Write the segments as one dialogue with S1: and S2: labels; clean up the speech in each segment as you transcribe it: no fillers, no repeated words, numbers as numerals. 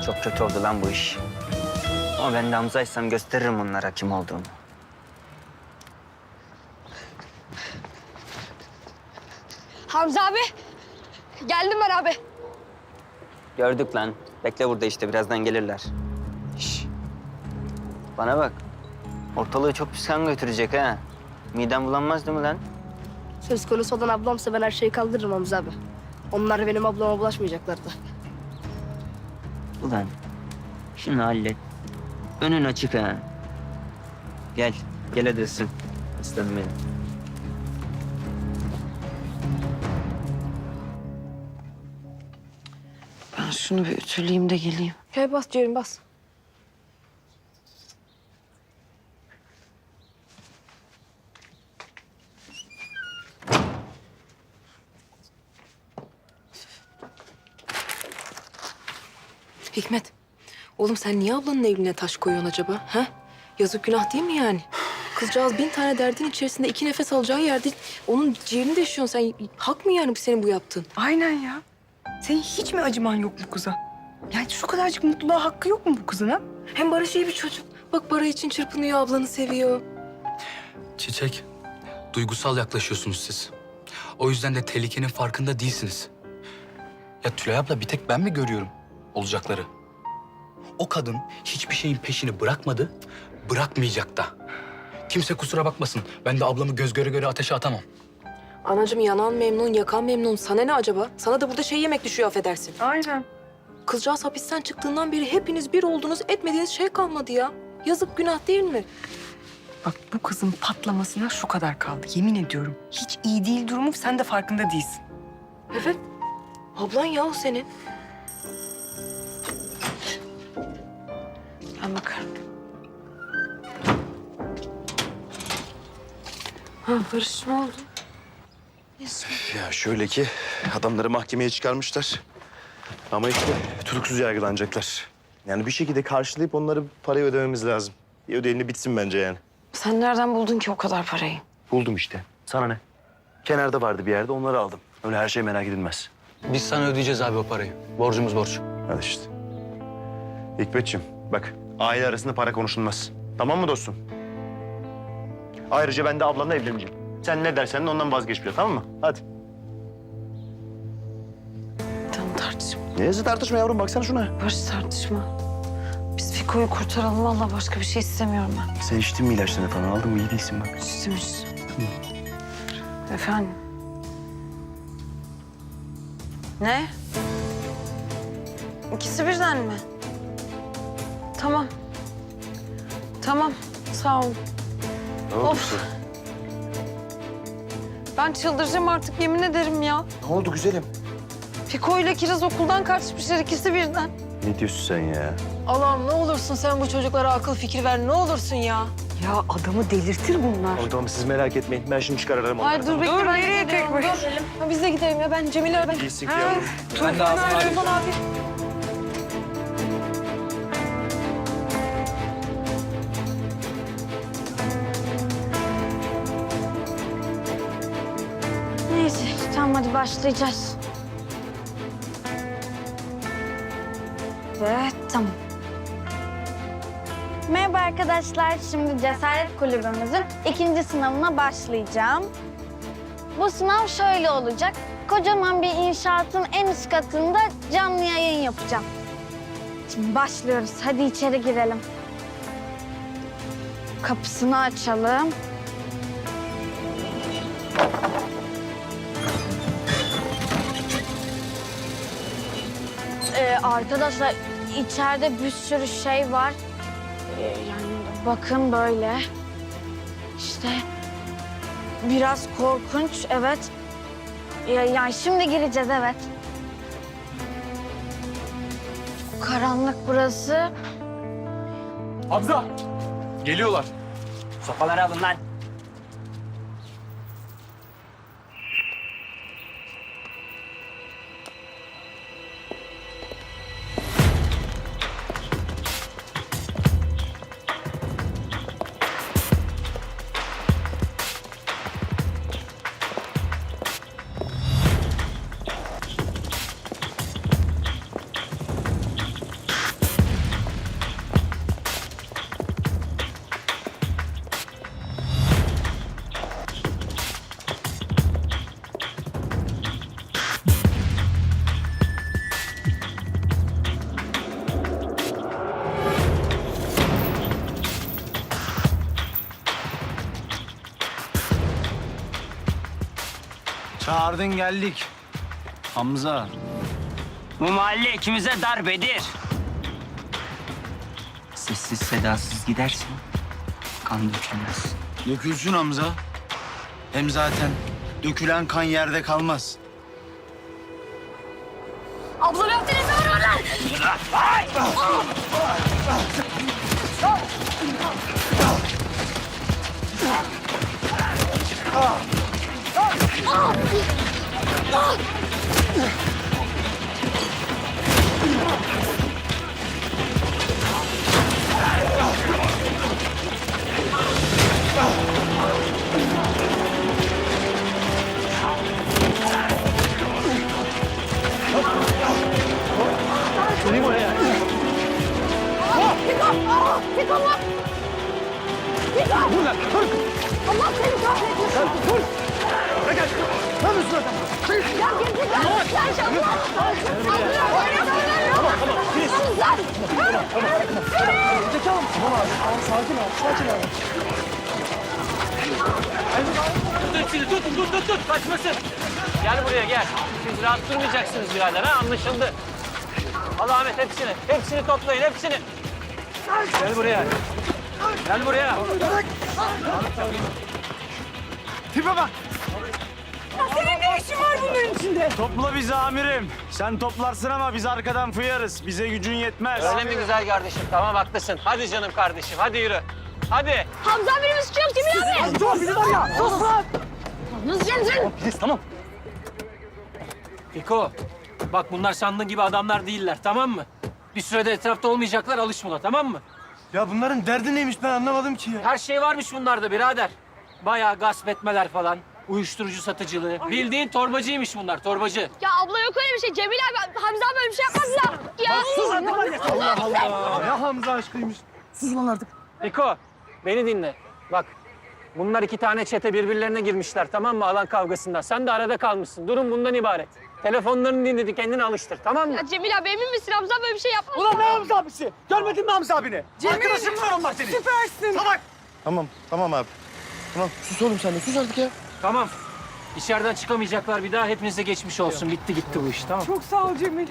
S1: Çok kötü oldu lan bu iş. Ama ben de Hamza'ysam gösteririm onlara kim olduğunu.
S2: Hamza abi. Geldim ben abi.
S1: Gördük lan. Bekle burada işte birazdan gelirler. Şş. Bana bak. Ortalığı çok pis kan götürecek ha. Midem bulanmaz değil mi lan?
S2: Söz konusu olan ablamsa ben her şeyi kaldırırım Hamza abi. Onlar benim ablama bulaşmayacaklardı.
S1: Ulan şunu hallet. Önün açık ha. Gel. Gel hadi ısın. Aslanım benim.
S3: Ben şunu bir ütüleyeyim de geleyim.
S2: Gel bas Ceyhun bas.
S3: Hikmet, oğlum sen niye ablanın evliliğine taş koyuyorsun acaba? Ha? Yazık günah değil mi yani? Kızcağız 1000 tane derdin içerisinde 2 nefes alacağı yerde onun ciğerini deşiyorsun sen. Hak mı yani bu senin bu yaptığın?
S4: Aynen ya. Senin hiç mi acıman yok bu kıza? Yani şu kadarcık mutluluğa hakkı yok mu bu kızın ha?
S3: Hem Barış iyi bir çocuk. Bak para için çırpınıyor, ablanı seviyor.
S5: Çiçek, duygusal yaklaşıyorsunuz siz. O yüzden de tehlikenin farkında değilsiniz. Ya Tülay abla bir tek ben mi görüyorum olacakları? O kadın hiçbir şeyin peşini bırakmadı, bırakmayacak da. Kimse kusura bakmasın. Ben de ablamı göz göre göre ateşe atamam.
S3: Anacığım yanan memnun, yakan memnun. Sana ne acaba? Sana da burada şey yemek düşüyor affedersin.
S4: Aynen.
S3: Kızcağız hapisten çıktığından beri hepiniz bir oldunuz, etmediğiniz şey kalmadı ya. Yazık günah değil mi?
S4: Bak bu kızın patlamasına şu kadar kaldı. Yemin ediyorum. Hiç iyi değil durumu, sen de farkında değilsin.
S3: Evet. Ablan ya o senin. Ben bakarım. Ha Barış ne oldu?
S6: Ya şöyle ki adamları mahkemeye çıkarmışlar. Ama işte tutuksuz yargılanacaklar. Yani bir şekilde karşılayıp onları parayı ödememiz lazım. Bir ödeyelim bitsin bence yani.
S3: Sen nereden buldun ki o kadar parayı?
S6: Buldum işte. Sana ne? Kenarda vardı bir yerde, onları aldım. Öyle her şey merak edilmez.
S5: Biz sana ödeyeceğiz abi o parayı. Borcumuz borç.
S6: Hadi işte. Hikmetciğim bak, aile arasında para konuşulmaz. Tamam mı dostum? Ayrıca ben de ablanla evleneceğim. Sen ne dersen de ondan vazgeçmeyeceğim, tamam mı? Hadi.
S3: Tamam tartışma.
S6: Neyse tartışma yavrum, baksana şuna.
S3: Barış tartışma. Biz Fiko'yu kurtaralım. Vallahi başka bir şey istemiyorum ben.
S6: Sen içtin mi ilaçlarını falan? Aldın mı? İyi değilsin bak.
S3: İstemiş. Efendim? Ne? İkisi birden mi? Tamam. Tamam. Sağ ol.
S6: Ne oldu
S3: Of.
S6: kızım?
S3: Ben çıldıracağım artık yemin ederim ya.
S6: Ne oldu güzelim?
S3: Fiko ile Kiraz okuldan kaçmışlar ikisi birden.
S6: Ne diyorsun sen ya?
S3: Allah'ım ne olursun sen bu çocuklara akıl fikir ver ne olursun ya.
S4: Ya adamı delirtir bunlar.
S6: O tamam, siz merak etmeyin. Ben şimdi çıkar ararım onları.
S3: Ay dur bekle
S4: Dur,
S3: ben
S4: nereye
S3: gidiyorum,
S4: tek
S3: dur.
S4: başına?
S3: Ha, biz de gidelim ya ben Cemile ben.
S6: İyisin ki
S3: Ha,
S6: yavrum.
S5: Ben de ağzını arayayım.
S3: Tufan abi.
S7: Neyse, tamam hadi başlayacağız. Evet, tamam. Merhaba arkadaşlar, şimdi Cesaret Kulübümüzün 2. sınavına başlayacağım. Bu sınav şöyle olacak. Kocaman bir inşaatın en üst katında canlı yayın yapacağım. Şimdi başlıyoruz, hadi içeri girelim. Kapısını açalım. Arkadaşlar içeride bir sürü şey var. Yani bakın böyle. İşte biraz korkunç, evet. Yani şimdi gireceğiz, evet. Karanlık burası.
S5: Hamza! Geliyorlar.
S1: Sopaları alın lan.
S8: Ardın geldik. Hamza.
S1: Bu mahalle ikimize dar Bedir. Sessiz sedasız gidersin, kan dökülmez.
S8: Dökülsün Hamza. Hem zaten dökülen kan yerde kalmaz.
S2: Ablam yaptı ne var lan? Allah seni kahretmesin. Dur. Ne yapıyorsun adam? Ya gerizekalı. Sen şampiyon.
S9: Tut. Kaçmasın. Gel buraya gel. Siz rahat durmayacaksınız birader ha anlaşıldı. Al Ahmet hepsini. Hepsini toplayın hepsini. Gel buraya. Gel buraya.
S8: Tipe bak. Senin ne işin var bunların içinde? Topla bizi amirim. Sen toplarsın ama biz arkadan fıyarız. Bize gücün yetmez.
S9: Öyle mi güzel kardeşim? Tamam haklısın. Hadi canım kardeşim hadi yürü. Hadi.
S2: Hamza abinin suçu yok değil mi abi?
S8: Dur bizi var ya. Sus lan.
S2: Nasıl geleceksin?
S8: Tamam.
S9: Fiko bak bunlar sandığın gibi adamlar değiller tamam mı? Bir sürede etrafta olmayacaklar alış buna tamam mı?
S8: Ya bunların derdi neymiş ben anlamadım ki ya.
S9: Her şey varmış bunlarda birader. Bayağı gasp etmeler falan. Uyuşturucu satıcılığı. Bildiğin torbacıymış bunlar torbacı.
S2: Ya abla yok öyle bir şey. Cemil abi, Hamza abi böyle bir şey yapmaz ya. Ya sus artık.
S8: Allah Allah. Ya Hamza aşkıymış.
S9: Fiko beni dinle. Bak bunlar iki tane çete birbirlerine girmişler tamam mı alan kavgasında. Sen de arada kalmışsın. Durum bundan ibaret. Telefonlarını dinledi kendini alıştır tamam mı?
S2: Ya Cemil abi emin misin? Hamza böyle bir şey yapmaz.
S8: Ulan ne Hamza abisi? Görmedin mi Hamza abini? Arkadaşım var onlar senin. Süpersin. Salak.
S6: Tamam abi. Tamam sus oğlum sen de sus artık ya.
S9: Tamam. İçeriden çıkamayacaklar bir daha. Hepinize geçmiş olsun. Bitti gitti bu iş tamam.
S4: Çok sağ ol Cemil.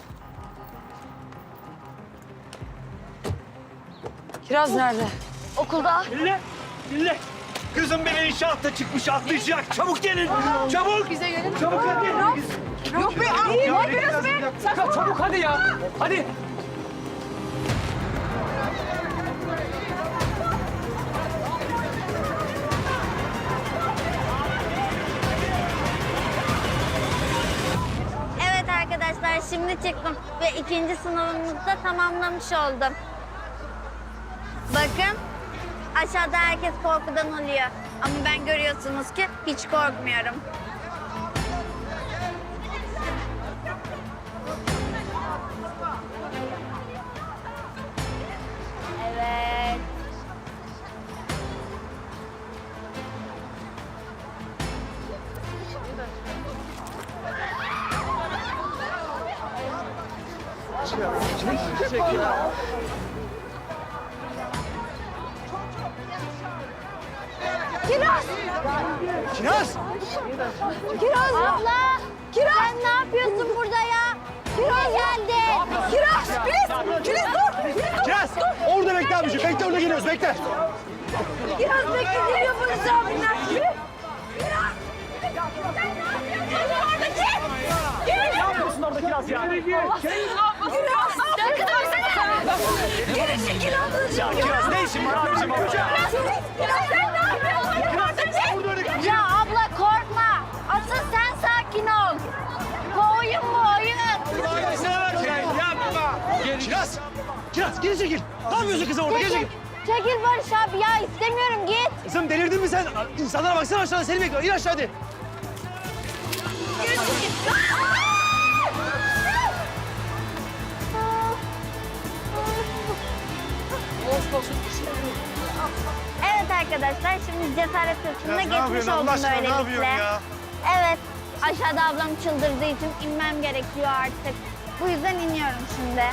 S4: Kiraz nerede?
S2: Okulda.
S8: Dinle. Kızım beni inşaatta çıkmış atlayacak. Çabuk gelin. Çabuk.
S2: Bize gelin.
S8: Çabuk hadi.
S2: Yok be abi. Ne yapıyorsun be?
S9: Çabuk hadi ya. Hadi.
S7: Evet arkadaşlar şimdi çıktım ve ikinci sınavımızı da tamamlamış oldum. Bakın aşağıda herkes korkudan oluyor. Ama ben görüyorsunuz ki hiç korkmuyorum. Evet.
S2: Kiraz.
S8: Kiraz.
S2: Kiraz.
S7: Abla! Sen ne yapıyorsun burada ya? Kiraz geldi.
S2: Kiraz. Filiz dur.
S8: Kiraz. Orada bekle abiciğim. Bekle orada geliyoruz. Bekle.
S2: Kiraz bekle geliyor polis abiler.
S8: Ne yapıyorsun orada Kiraz ya?
S2: Kiraz. Sen kıdırsana. Geri çekil ablacığım.
S8: Kiraz ne işin var abiciğim orada?
S2: Kiraz sen ne yapıyorsun?
S7: Ya abla korkma. Asıl sen sakin ol. Bu oyun mu oyun?
S8: Kiraz. Kiraz geri çekil. Ne yapıyorsun kızım orada? Geri çekil.
S7: Çekil Barış abi ya istemiyorum git.
S8: Kızım delirdin mi sen? İnsanlara baksana aşağıda seni bekliyor. İn aşağı hadi.
S7: Evet arkadaşlar şimdi cesaret testine geçmiş oldum böylelikle. Evet aşağıda ablam çıldırdığı için inmem gerekiyor artık. Bu yüzden iniyorum şimdi.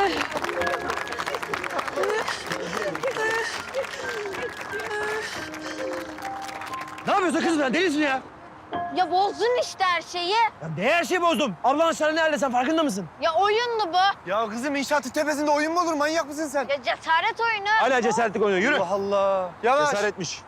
S2: Ne yapıyorsun kızım sen? Delisin ya.
S7: Ya bozdun işte her şeyi.
S2: Ya ne her şeyi bozdum? Ablan sana ne halde sen farkında mısın?
S7: Ya oyundu bu.
S6: Ya kızım inşaatın tepesinde oyun mu olur? Manyak mısın sen?
S7: Ya cesaret oyunu.
S2: Hala cesaretlik oynuyor. Yürü.
S6: Allah Allah. Yavaş.
S2: Cesaretmiş.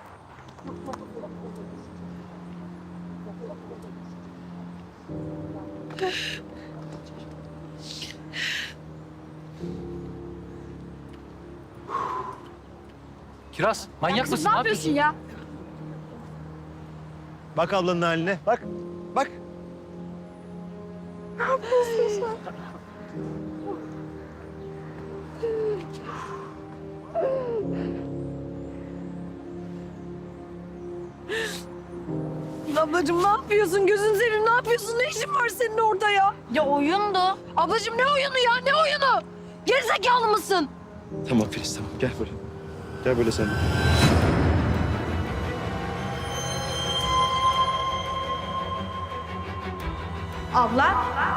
S5: Kiraz, manyak mısın?
S7: Ne yapıyorsun ya?
S6: Bak ablanın haline. Bak. Bak.
S3: Ablacığım ne yapıyorsun? Gözünü seveyim ne yapıyorsun? Ne işin var senin orada ya?
S7: Ya oyundu.
S3: Ablacığım ne oyunu ya? Ne oyunu? Gerizekalı mısın?
S6: Tamam Filiz tamam. Gel böyle. Gel böyle sen de.
S7: Abla.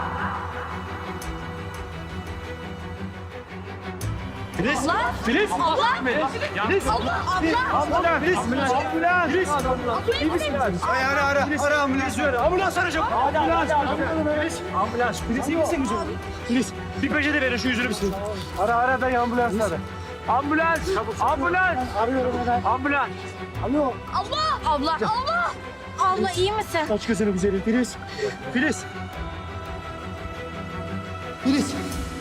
S2: Filiz.
S7: Abla.
S2: Filiz.
S7: Abla.
S2: Filiz.
S7: Abla. Abla.
S2: Filiz. Ambulans. Filiz. İyi misin? Ay ara. Ara ambulans. Ambulans arayacağım. Ambulans. Filiz. Ambulans. Filiz iyi misin güzel? Filiz. Bir peçete verin şu yüzünü bir silin. Ara ben ambulans ara. Ambulans. Ambulans. Arıyorum hemen. Ambulans. Alo.
S7: Abla. Abla. Abla. Abla iyi misin?
S2: Kaç kızını güzelim Filiz. Filiz. Filiz.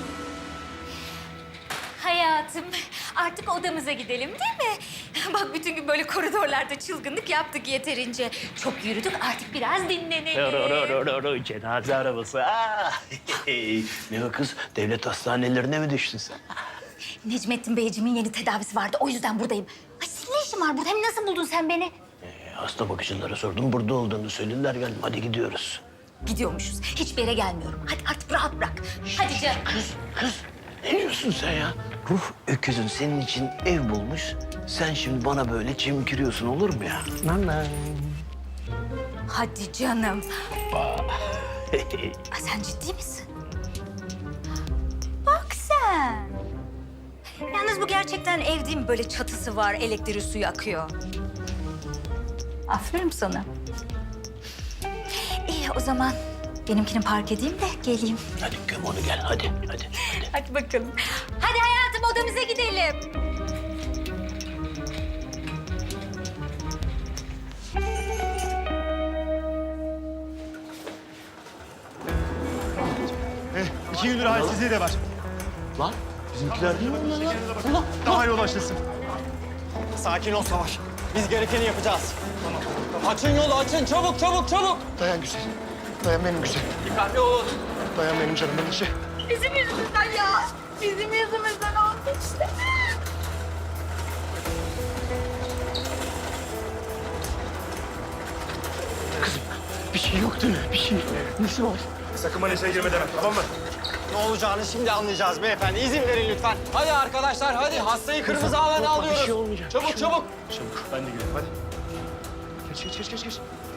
S10: Hayatım, artık odamıza gidelim değil mi? Bak bütün gün böyle koridorlarda çılgınlık yaptık yeterince. Çok yürüdük, artık biraz dinlenelim.
S11: Cenaze arabası. Ne o kız? Devlet hastanelerine mi düştün sen?
S10: Necmettin Beyciğimin yeni tedavisi vardı, o yüzden buradayım. Ay senin ne işin var burada? Hem nasıl buldun sen beni?
S11: Hasta bakıcılara sordum. Burada olduğunu söylediler. Geldim. Hadi gidiyoruz.
S10: Gidiyormuşuz, hiçbir yere gelmiyorum. Hadi artık rahat bırak. Hadi canım.
S11: Kız. Ne diyorsun sen ya? Ruh öküzün senin için ev bulmuş. Sen şimdi bana böyle çimkiriyorsun olur mu ya?
S10: Hadi canım. Ay, sen ciddi misin? Bak sen. Yalnız bu gerçekten ev değil mi? Böyle çatısı var, elektriği suyu akıyor. Aferin sana. İyi o zaman benimkini park edeyim de geleyim.
S11: Hadi göm onu gel. Hadi.
S10: Hadi bakalım. Hadi hayatım odamıza gidelim.
S6: İki gündür halsizliği de var.
S11: Lan bizimkiler değil mi?
S6: Daha yol başlasın.
S8: Sakin ol Savaş. Biz gerekeni yapacağız. Tamam. Açın yolu açın. Çabuk çabuk çabuk.
S6: Dayan güzel. Dayan benim güzel.
S8: Dikkatli olun.
S6: Dayan benim canımın içi.
S7: Bizim yüzümüzden ya. Bizim yüzümüzden oldu işte.
S6: Kızım bir şey yok değil mi? Bir şey. Nesi var? Sakın bana işe girme deme tamam mı?
S8: Ne olacağını şimdi anlayacağız beyefendi. İzin verin lütfen. Hadi arkadaşlar hadi. Hastayı kırmızı alana alıyoruz.
S6: Bir şey olmayacak.
S8: Çabuk çabuk.
S6: Çabuk ben de gidelim hadi. Geç.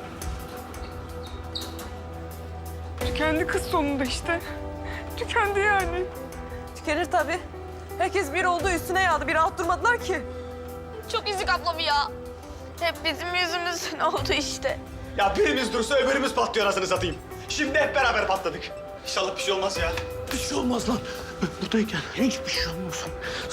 S4: Tükendi kız sonunda işte. Tükendi yani.
S3: Tükenir tabii. Herkes bir oldu üstüne yağdı. Bir rahat durmadılar ki.
S7: Çok üzük ablam ya. Hep bizim yüzümüzden oldu işte.
S8: Ya birimiz dursa öbürümüz patlıyor anasını satayım. Şimdi hep beraber patladık. İnşallah bir şey olmaz ya.
S11: Bir şey olmaz lan. Buradayken hiçbir şey olmasın.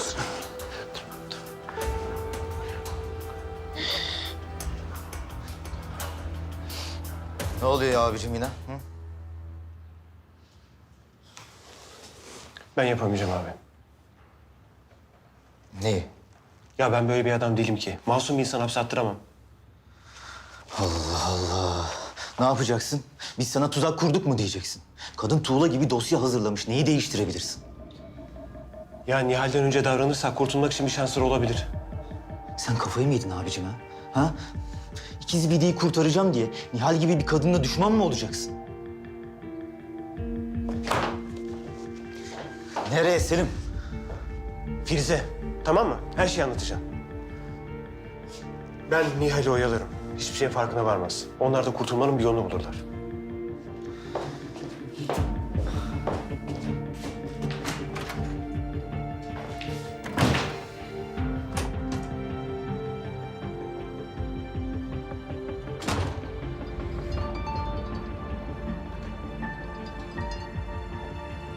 S12: Ne oluyor ya abicim yine? Hı?
S13: Ben yapamayacağım abi.
S12: Neyi?
S13: Ya ben böyle bir adam değilim ki. Masum bir insan hapse attıramam.
S12: Allah Allah. Ne yapacaksın? Biz sana tuzak kurduk mu diyeceksin? Kadın tuğla gibi dosya hazırlamış. Neyi değiştirebilirsin?
S13: Ya Nihal'den önce davranırsak kurtulmak için bir şansları olabilir.
S12: Sen kafayı mı yedin abicim ha? Ha? İkiz Bidi'yi kurtaracağım diye Nihal gibi bir kadınla düşman mı olacaksın? Nereye Selim?
S13: Firuze, tamam mı? Her şeyi anlatacağım. Ben Nihal'i oyalarım. Hiçbir şeyin farkına varmaz. Onlar da kurtulmanın bir yolunu bulurlar.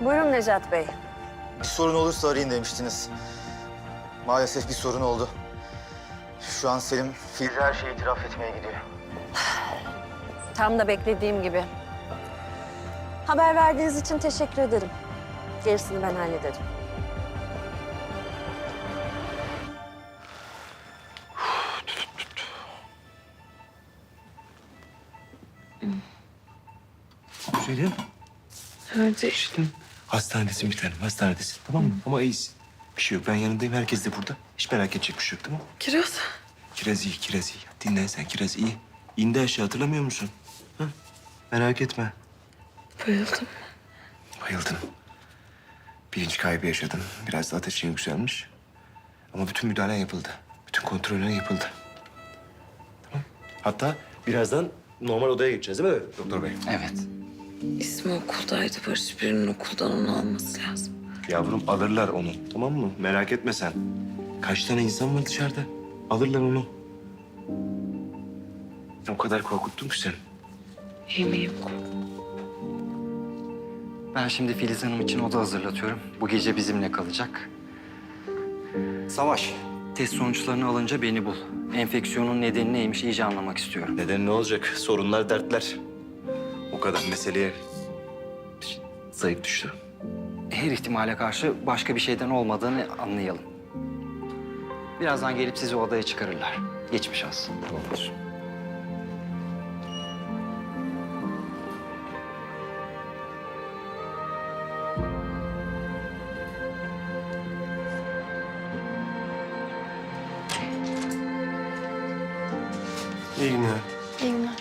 S7: Buyurun Necat Bey.
S12: Bir sorun olursa arayın demiştiniz. Maalesef bir sorun oldu. Şu an Selim Filiz'e her şeyi itiraf etmeye gidiyor.
S7: Tam da beklediğim gibi. Haber verdiğiniz için teşekkür ederim. Gerisini ben hallederim.
S13: Selim.
S3: Neredesin?
S13: Hastanedesin bir tanem, hastanedesin. Tamam mı? Ama iyisin. Bir şey yok. Ben yanındayım. Herkes de burada. Hiç merak edecek bir şey yok, tamam mı?
S3: Kiraz.
S13: Kiraz iyi, kiraz iyi. Dinlen sen, kiraz iyi. İndi aşağı, hatırlamıyor musun? Ha? Merak etme.
S3: Bayıldım.
S13: Bayıldın. Bilinç kaybı yaşadın. Biraz da ateşin yükselmiş. Ama bütün müdahalen yapıldı. Bütün kontrolün yapıldı. Tamam. Hatta birazdan normal odaya geçeceğiz değil mi doktor bey?
S5: Evet.
S3: İsmi okuldaydı. Barış birinin okuldan onu alması lazım.
S13: Yavrum alırlar onu, tamam mı? Merak etme sen. Kaç tane insan var dışarıda? Alırlar onu. O kadar korkuttun ki seni.
S3: İyi miyim?
S1: Ben şimdi Filiz Hanım için oda hazırlatıyorum. Bu gece bizimle kalacak. Savaş, test sonuçlarını alınca beni bul. Enfeksiyonun nedeni neymiş iyice anlamak istiyorum.
S6: Neden ne olacak? Sorunlar, dertler. O kadar meseleye zayıf düştü.
S1: Her ihtimale karşı başka bir şeyden olmadığını anlayalım. Birazdan gelip sizi odaya çıkarırlar. Geçmiş olsun.
S6: Olur.
S13: İyi günler.
S3: İyi günler.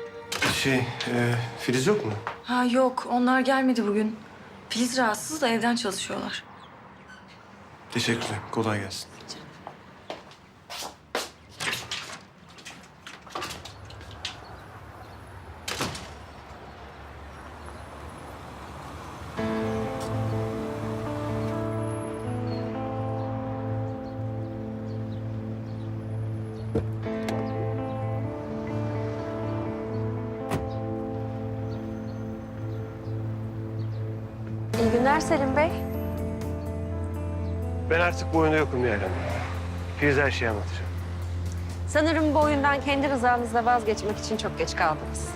S13: Filiz yok mu?
S3: Ha yok, onlar gelmedi bugün. Filiz rahatsız da evden çalışıyorlar.
S13: Teşekkürler. Kolay gelsin.
S7: İyi günler Selim Bey.
S13: Ben artık bu oyunda yokum Nihal Hanım. Filiz her şeyi anlatacağım.
S7: Sanırım bu oyundan kendi rızanızla vazgeçmek için çok geç kaldınız.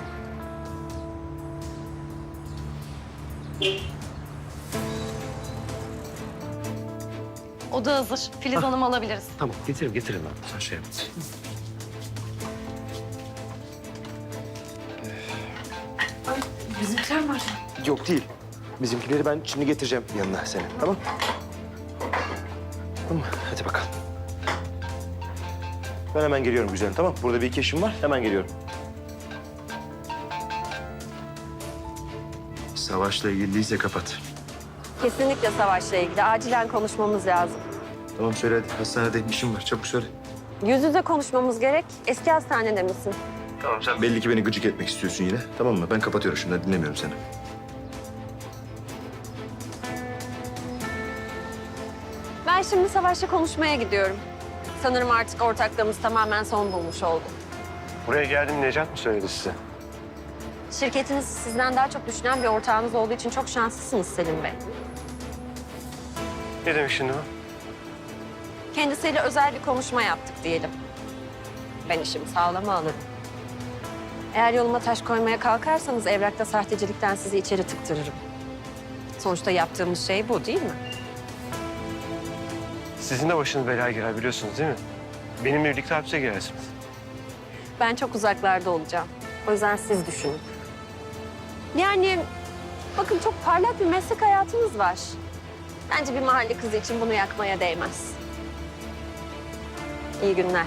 S7: Oda hazır. Filiz Hanım'ı alabiliriz.
S13: Tamam, getirin ben. Sen şey yap.
S3: Bizimkiler var.
S6: Yok değil. Bizimkileri ben şimdi getireceğim yanına seni. Tamam? Tamam, hadi bakalım. Ben hemen geliyorum güzelim, tamam? Burada bir iki işim var, hemen geliyorum. Savaşla ilgili değilse kapat.
S7: Kesinlikle Savaş'la ilgili. Acilen konuşmamız lazım.
S6: Tamam söyle hadi, hastanede işim var. Çabuk söyle.
S7: Yüz yüze konuşmamız gerek. Eski hastanede misin?
S6: Tamam sen belli ki beni gıcık etmek istiyorsun yine. Tamam mı? Ben kapatıyorum şimdi, dinlemiyorum seni.
S7: Ben şimdi Savaş'la konuşmaya gidiyorum. Sanırım artık ortaklığımız tamamen son bulmuş oldu.
S13: Buraya geldim, Necat mı söyledi size?
S7: Şirketiniz sizden daha çok düşünen bir ortağınız olduğu için çok şanslısınız Selim Bey.
S13: Ne demek şimdi bu?
S7: Kendisiyle özel bir konuşma yaptık diyelim. Ben işimi sağlama alırım. Eğer yoluma taş koymaya kalkarsanız evrakta sahtecilikten sizi içeri tıktırırım. Sonuçta yaptığımız şey bu değil mi?
S13: Sizin de başınız belaya girer biliyorsunuz değil mi? Benimle birlikte hapse girersiniz.
S7: Ben çok uzaklarda olacağım. O yüzden siz düşünün. Yani bakın çok parlak bir meslek hayatınız var. Bence bir mahalle kızı için bunu yakmaya değmez. İyi günler.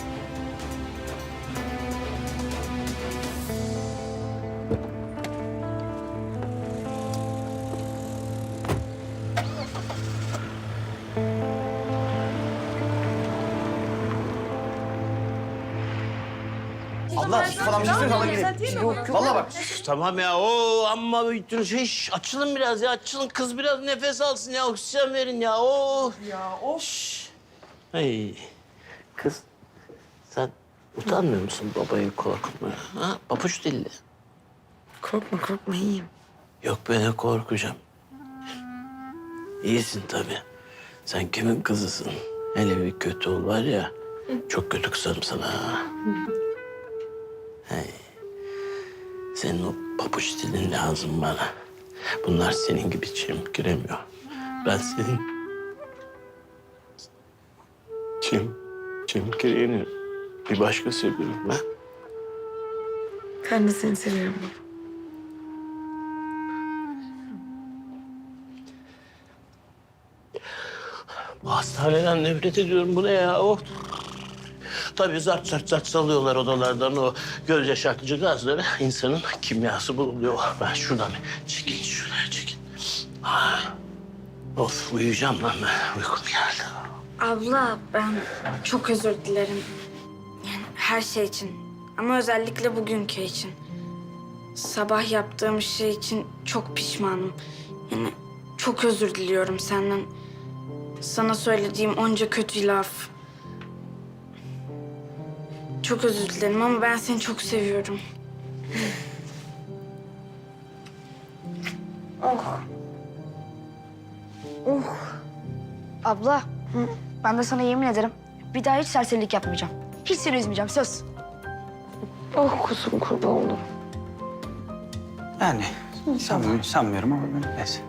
S11: Abla sus falan bir şey söyle alabilirim.
S7: Yok.
S11: Vallahi bak. Tamam ya amma bütün şey açılın biraz ya açılın kız biraz nefes alsın ya oksijen verin ya Ya of. Hey kız sen utanmıyor musun babayı korkutmaya? Ha papuç dilli.
S3: Korkma iyiyim.
S11: Yok ben de korkacağım. İyisin tabii. Sen kimin kızısın? Hele bir kötü ol var ya, çok kötü kızarım sana ha. Hey. Senin o papuç dilin lazım bana. Bunlar senin gibi çimkiremiyor. Ben senin çimkireyeni bir başka seviyorum ben.
S4: Ben de seni seviyorum baba.
S11: Bu hastaneden nefret ediyorum. Bu ne ya? Oh. Tabii zart zart zart salıyorlar odalardan o göz yaşartıcı gazları. İnsanın kimyası bulunuyor. Ben şuradan bir çekil, şuraya çekil. Ah. Of, uyuyacağım lan ben. Uykum geldi.
S7: Abla ben çok özür dilerim. Yani her şey için. Ama özellikle bugünkü için. Sabah yaptığım şey için çok pişmanım. Yani çok özür diliyorum senden. Sana söylediğim onca kötü laf. Çok özür dilerim ama ben seni çok seviyorum.
S14: Abla, ben de sana yemin ederim bir daha hiç serserilik yapmayacağım. Hiç seni üzmeyeceğim, söz.
S4: Oh kuzum kurban olurum.
S5: Yani sanmıyorum ama neyse.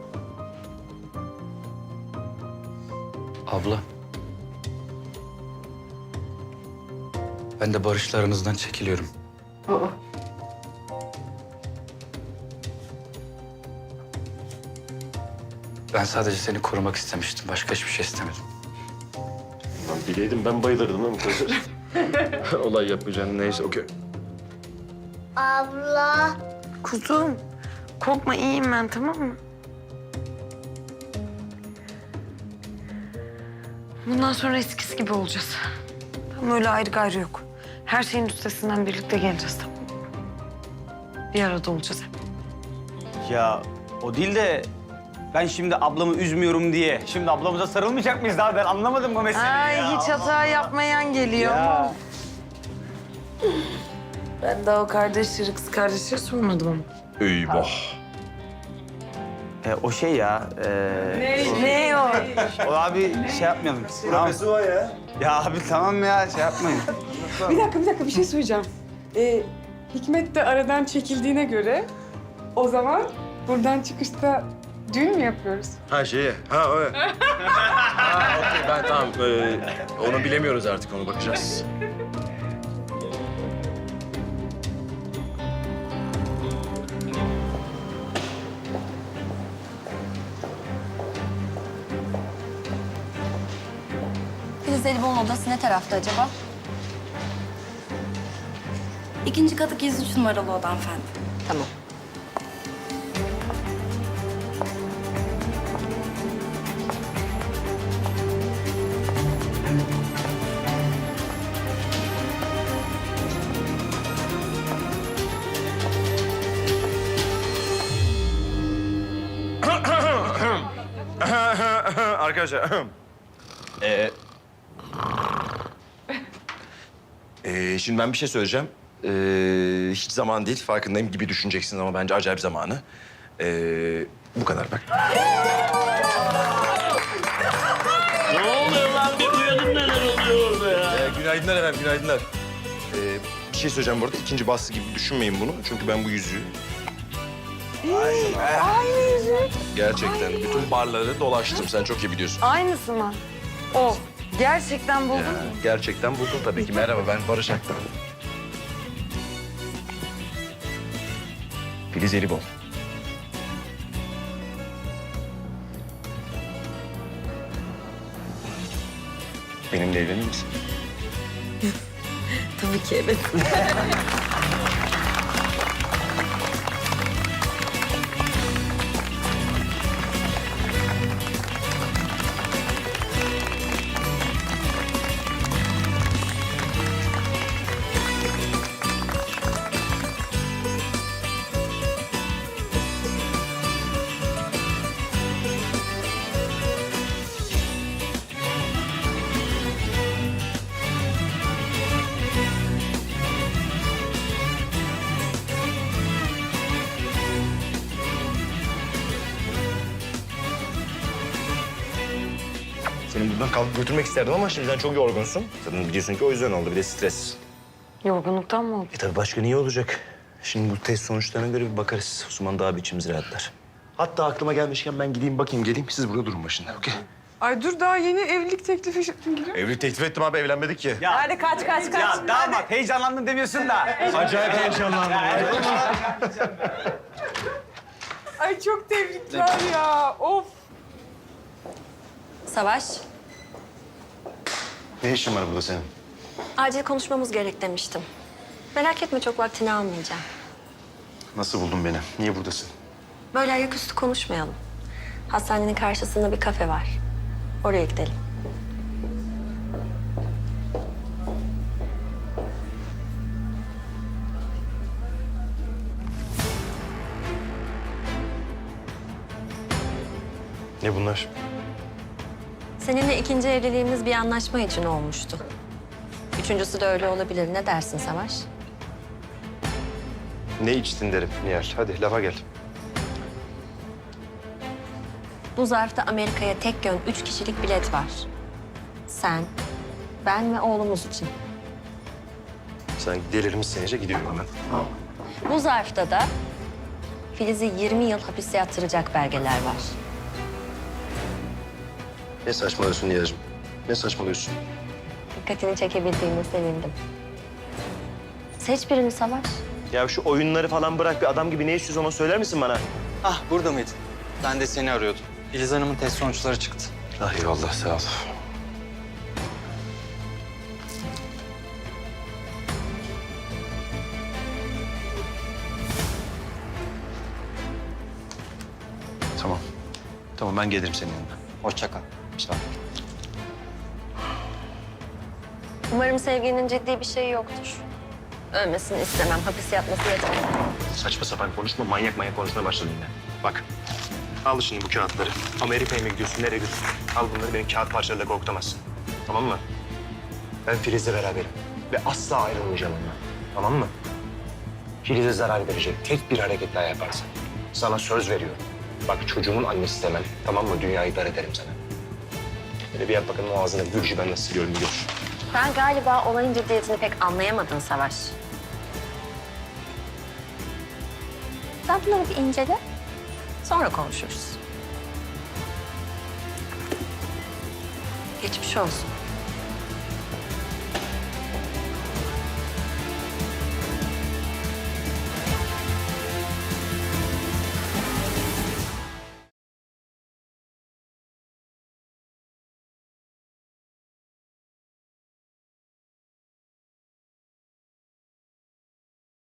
S5: Abla. Ben de barışlarınızdan çekiliyorum. Ben sadece seni korumak istemiştim. Başka hiçbir şey istemedim.
S6: Bileydim ben bayılırdım ama kızı. Olay yapacağım neyse okey.
S7: Abla.
S4: Kuzum korkma iyiyim ben tamam mı? Bundan sonra eskisi gibi olacağız. Tam öyle ayrı gayrı yok. Her şeyin üstesinden birlikte geleceğiz tamam mı? Bir arada olacağız hep.
S8: Ya o değil de ben şimdi ablamı üzmüyorum diye şimdi ablamıza sarılmayacak mıyız daha? Ben anlamadım bu meseleyi
S4: Ay
S8: ya.
S4: hiç hata yapmayan geliyor.
S8: Ya.
S4: Ben daha o kardeşleri, kız kardeşleri sormadım ama.
S6: Eyvah.
S8: O şey ya.
S4: Ne o?
S8: O abi şey yapmayalım. Tamam.
S6: o ya.
S8: Ya abi tamam ya şey yapmayın.
S15: Bir dakika bir şey söyleyeceğim. Hikmet de aradan çekildiğine göre o zaman buradan çıkışta düğün mü yapıyoruz?
S6: Ha şeye. Ha öyle. Ha okey ben tamam. Onu bilemiyoruz artık onu bakacağız.
S14: Filiz Elibon'un odası ne tarafta acaba?
S10: İkinci katı 103 numaralı oda hanımefendi.
S4: Tamam.
S6: Arkadaşlar. Şimdi ben bir şey söyleyeceğim. Hiç zaman değil, farkındayım gibi düşüneceksiniz ama bence acayip zamanı. Bu kadar bak.
S11: Ne oluyor lan? Bir uyanın neler oluyor orada ya?
S6: Günaydınlar efendim, günaydınlar. Bir şey söyleyeceğim bu arada. İkinci baskı gibi düşünmeyin bunu. Çünkü ben bu yüzüğü...
S4: Aynı yüzük.
S6: Gerçekten bütün barları dolaştım. Sen çok iyi biliyorsun.
S4: Aynısı mı? O. Gerçekten buldun mu?
S6: Gerçekten buldum tabii ki. Merhaba, ben Barış Aktan. Filiz Elibon. Benimle evlenir misin?
S4: Tabii ki evet.
S6: Seni buradan kalkıp götürmek isterdim ama şimdiden çok yorgunsun. Zaten biliyorsun ki o yüzden oldu. Bir de stres.
S4: Yorgunluktan mı oldu?
S6: Tabii başka niye olacak? Şimdi bu test sonuçlarına göre bir bakarız. Osman daha bir içimiz rahatlar. Hatta aklıma gelmişken ben gideyim bakayım geleyim. Siz burada durun başında, okey?
S15: Ay dur daha yeni evlilik teklifi gibi.
S6: Evlilik teklif ettim abi, evlenmedik ki.
S8: Hadi kaç. Ya damat heyecanlandın demiyorsun da.
S6: Acayip heyecanlandım.
S15: Ay çok tebrikler ya. Of.
S16: Savaş,
S6: Ne işin var burada senin?
S16: acil konuşmamız gerek demiştim. Merak etme, çok vaktini almayacağım.
S6: Nasıl buldun beni? Niye buradasın?
S16: Böyle ayaküstü konuşmayalım. Hastanenin karşısında bir kafe var. Oraya gidelim.
S6: Ne bunlar?
S16: Seninle ikinci evliliğimiz bir anlaşma için olmuştu. Üçüncüsü de öyle olabilir. Ne dersin Savaş?
S6: Ne içtin derim Nihal. Hadi lafa gel.
S16: Bu zarfta Amerika'ya tek yön 3 kişilik bilet var. Sen, ben ve oğlumuz için.
S6: Sen delirmişsin iyice, gidiyorum hemen.
S16: Bu zarfta da Filiz'i 20 yıl hapiste yattıracak belgeler var.
S6: Ne saçmalıyorsun Nihal'cığım? Ne saçmalıyorsun?
S16: Dikkatini çekebildiğime sevindim. Seç birini Savaş.
S6: Ya şu oyunları falan bırak, bir adam gibi ne istiyorsun onu söyler misin bana?
S1: Ah burada mıydın? Ben de seni arıyordum. Filiz Hanım'ın test sonuçları çıktı.
S6: Ah eyvallah, sağ ol. Tamam. Tamam, ben gelirim senin yanına.
S1: Hoşça kal.
S6: Sağ ol.
S16: Umarım sevginin ciddi bir şeyi yoktur. Ölmesini istemem. Hapis yatması yeter.
S6: Saçma sapan konuşma, manyak konuşmaya başladın yine. Bak, al şimdi bu kağıtları. Amerika'ya mı gidiyorsun, nereye gidiyorsun? Al bunları, benim kağıt parçalarıyla korkutamazsın. Tamam mı? Ben Filiz'le beraberim ve asla ayrılmayacağım ondan. Tamam mı? Filiz'e zarar verecek tek bir hareket daha yaparsan sana söz veriyorum. Bak çocuğumun annesi demem, tamam mı? Dünyayı dar ederim sana. Böyle bir yap bakalım o ağzına gülcü ben nasıl siliyorum bir gör.
S16: Ben galiba olayın ciddiyetini pek anlayamadın Savaş. Sen bunları bir incele. Sonra konuşuruz. Geçmiş olsun.